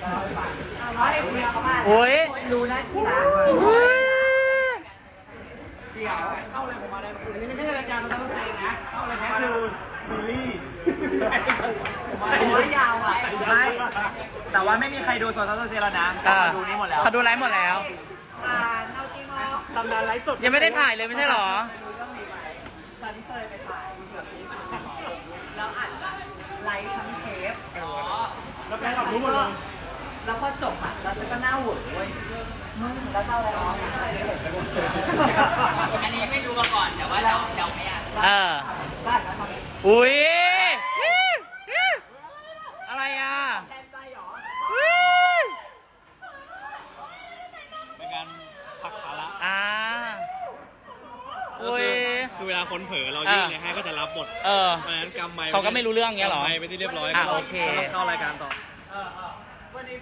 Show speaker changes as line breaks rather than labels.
โอ้ย
รู้นะที่ร้าน
เดี๋ยวเข้าเลยผมมาเลยอันนี้ไม่ใช่รายการเราต้องเพลงนะเข้าเลยแค่คือซีรีส์
โอ้ยยาวอ่ะไม่แต่ว่าไม่มีใครดูโซนโซเซแล้วนะดูนี้หมดแล้ว
เขาดูไลฟ์หมดแล้ว
เอาจริงเหรอ
ตำนานไลฟ์สด
ยังไม่ได้ถ่ายเลยไม่ใช่หรอ
ฉันเคยไปถ่ายแล้วอัดไลฟ์ทั้งเทป
แล้วแฟนเรารู้หมดเลย
แล้วพอจบอ่ะแล้วฉันก็หน้าเหวอเว้ยแล้วเจ้าอะไร
อันนี้ไม่รู้มาก่อนแต่ว่าเดาไม่ยาก
เออ
บ้านแล้วทำไม
อุ้ยอะไรอ่ะ
แทนใจหรอ
เป็นการผลักภาระ
อ่าอุ้ย
คือเวลาคนเผลอเรายื่นเนี่ยให้ก็จะรับบท
เออ
เพราะฉะนั้นกำไมค์
เขาก็ไม่รู้เรื่องเงี้ยเหรอ
กำไมค์ไปที่เรียบร้อย
อ่ะโอเค
เข้ารายการต่อ